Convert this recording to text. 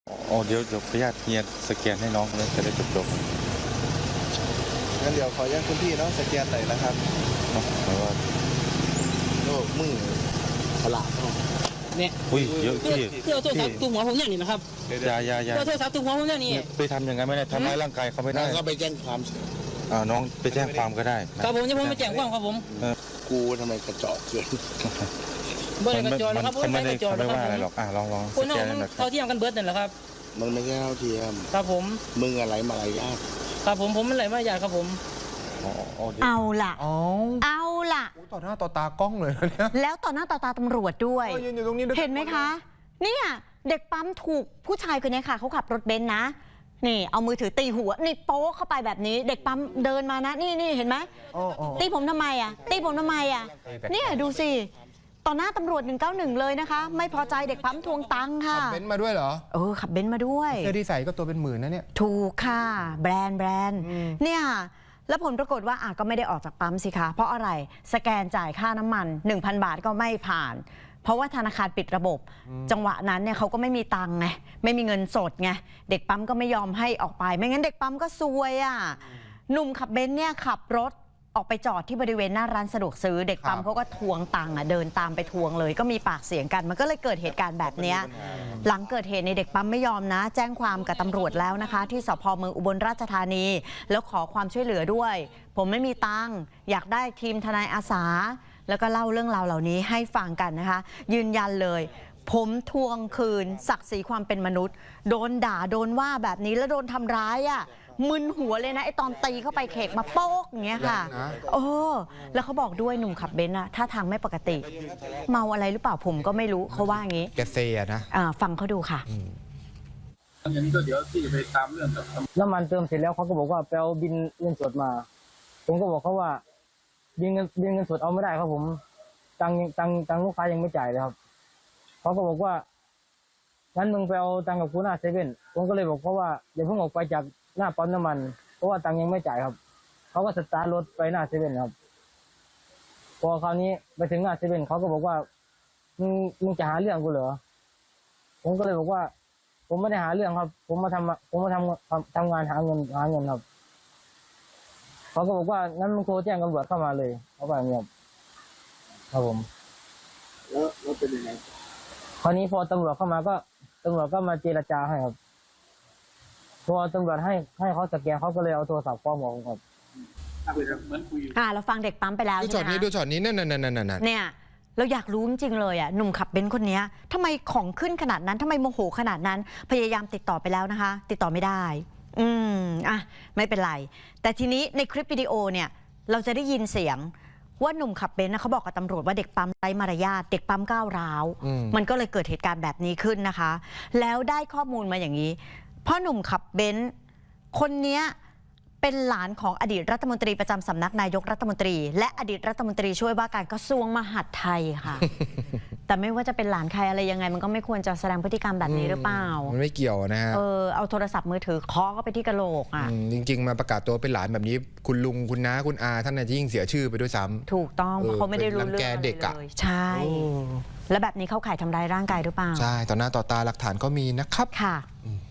อ๋อเดี๋ยวขออนุญาตเฮียสแกนให้น้องเลยจะได้จบงั้นเดี๋ยวขออนุญาตคุณพี่เนาะสแกนหน่อยนะครับเนาะแต่ว่าโอ้มือฉลาดเนาะเนี่ยอุ้ยเยอะพี่เพื่อโทรศัพท์ตุ้มหัวผมอย่างนี้นะครับอย่าเพื่อโทรศัพท์ตุ้มหัวผมอย่างนี้ไปทำอย่างนั้นไม่ได้ทำร้ายร่างกายเขาไม่ได้แล้วก็ไปแจ้งความน้องไปแจ้งความก็ได้นะครับผมจะไปแจ้งความครับผมกูทำไมกระจอกเกินเบอร์กระจรนะครับเขาไม่ได้กระจรเขานะไม่ครับว่าอะไรผมหรอกลองคนสแกเรานหน่อยเท่าเทียมกันเบิร์ดนั่นแหละครับมันไม่ใช่เท่าเทียมครับผมมึงอะไรมารยาทครับผมมันไหลมาอยากครับผมเอาล่ะอ๋อเอาล่ะต่อหน้าต่อตากล้องเลยนะเนี่ยแล้วต่อหน้าต่อตาตำรวจด้วยยืนอยู่ตรงนี้ด้วยเห็นไหมคะ เนี่ยเด็กปั๊มถูกผู้ชายคนนี้ค่ะเขาขับรถเบนซ์นะ นี่เอามือถือตีหัวนี่โป๊ะเข้าไปแบบนี้ เด็กปั๊มเดินมานะนี่เห็นไหมอ๋อตีผมทำไมอ่ะตีผมทำไมอ่ะเนี่ยดูสิต่อหน้าตำรวจ191เลยนะคะ ไม่พอใจเด็กปั๊มทวงตังค่ะขับเบนซ์มาด้วยเหรอขับเบนซ์มาด้วยเสื้อที่ใส่ก็ตัวเป็นหมื่นนะเนี่ยถูกค่ะแบรนด์เนี่ยแล้วผลปรากฏว่าก็ไม่ได้ออกจากปั๊มสิคะเพราะอะไรสแกนจ่ายค่าน้ำมัน 1,000 บาทก็ไม่ผ่าน เพราะว่าธนาคารปิดระบบ จังหวะนั้นเนี่ยเขาก็ไม่มีตังค์ไงไม่มีเงินสดไงเด็กปั๊มก็ไม่ยอมให้ออกไป ไม่งั้นเด็กปั๊มก็ซวยหนุ่มขับเบนซ์เนี่ยขับรถออกไปจอดที่บริเวณหน้าร้านสะดวกซื้อเด็กปั๊มเขาก็ทวงตังค์เดินตามไปทวงเลยก็มีปากเสียงกันมันก็เลยเกิดเหตุการณ์แบบนี้หลังเกิดเหตุในเด็กปั๊มไม่ยอมนะ แจ้งความกับตำรวจแล้วนะคะ ที่สพเมืองอุบลราชธานี แล้วขอความช่วยเหลือด้วย ผมไม่มีตังค์อยากได้ทีมทนายอาสาแล้วก็เล่าเรื่องราวเหล่านี้ให้ฟังกันนะคะยืนยันเลยผมทวงคืนศักดิ์ศรีความเป็นมนุษย์โดนด่าโดนว่าแบบนี้แล้วโดนทำร้ายมึนหัวเลยนะไอตอนตีเข้าไปเขกมาโป๊กอย่างเงี้ยค่ะแล้วเขาบอกด้วยหนุ่มขับเบนซ์ท่าทางไม่ปกติเมาอะไรหรือเปล่าผมก็ไม่รู้เขาว่าอย่างงี้แกเซียนะฟังเขาดูค่ะอย่างนี้ก็เดี๋ยวที่ไปตามเรื่องกับน้ำมันเติมเสร็จแล้วเขาก็บอกว่าไปเอาบินเงินสดมาผมก็บอกเขาว่าบินเงินสดเอาไม่ได้ครับผมตังลูกค้ายังไม่จ่ายเลยครับเขาก็บอกว่างั้นมึงไปเอาตังกับกูหน้าเซเว่นผมก็เลยบอกเขาว่าอย่าเพิ่งออกไปจากหน้าปั๊มน้ำมันเพราะว่าตังยังไม่จ่ายครับเขาก็สตาร์ทรถไปหน้าเซเว่นครับพอคราวนี้ไปถึงหน้าเซเว่นเขาก็บอกว่ามึงจะหาเรื่องกูเหรอผมก็เลยบอกว่าผมไม่ได้หาเรื่องครับผมมาทำงานหาเงินครับเขาก็บอกว่างั้นมึงโทรแจ้งตำรวจเข้ามาเลยเขาบอกอย่างนี้ครับผมแล้วเป็นยังไงคราวนี้พอตำรวจเข้ามาก็ตำรวจก็มาเจรจาให้ครับพอตำรวจให้เขาสแกนเขาก็เลยเอาโทรศัพท์ฟ้องผมครับเหมือนคุยเราฟังเด็กปั๊มไปแล้วดูช็อตนี้ดูช็อตนี้นั่นเนี่ยเราอยากรู้จริงๆเลยหนุ่มขับเบนซ์คนนี้ทำไมของขึ้นขนาดนั้นทำไมโมโหขนาดนั้นพยายามติดต่อไปแล้วนะคะติดต่อไม่ได้ไม่เป็นไรแต่ทีนี้ในคลิปวิดีโอเนี่ยเราจะได้ยินเสียงว่าหนุ่มขับเบนซ์เขาบอกกับตำรวจว่าเด็กปั๊มไร้มารยาทเด็กปั๊มก้าวร้าวมันก็เลยเกิดเหตุการณ์แบบนี้ขึ้นนะคะแล้วได้ข้อมูลมาอย่างนี้พ่อหนุ่มขับเบนซ์คนนี้เป็นหลานของอดีตรัฐมนตรีประจำสำนักนายกรัฐมนตรีและอดีตรัฐมนตรีช่วยว่าการกระทรวงมหาดไทยค่ะ แต่ไม่ว่าจะเป็นหลานใครอะไรยังไงมันก็ไม่ควรจะแสดงพฤติกรรมแบบนี้หรือเปล่ามันไม่เกี่ยวนะฮะเอาโทรศัพท์มือถือเคาะเข้าไปที่กระโหลกจริงๆมาประกาศตัวเป็นหลานแบบนี้คุณลุงคุณน้าคุณอาท่านน่ะยิ่งเสียชื่อไปด้วยซ้ำถูกต้องเพราะเขาไม่ได้รู้เรื่องอะไรเลยใช่แล้วแบบนี้เข้าข่ายทำร้ายร่างกายหรือเปล่าใช่ต่อหน้าต่อตาหลักฐานก็มีนะครับค่ะ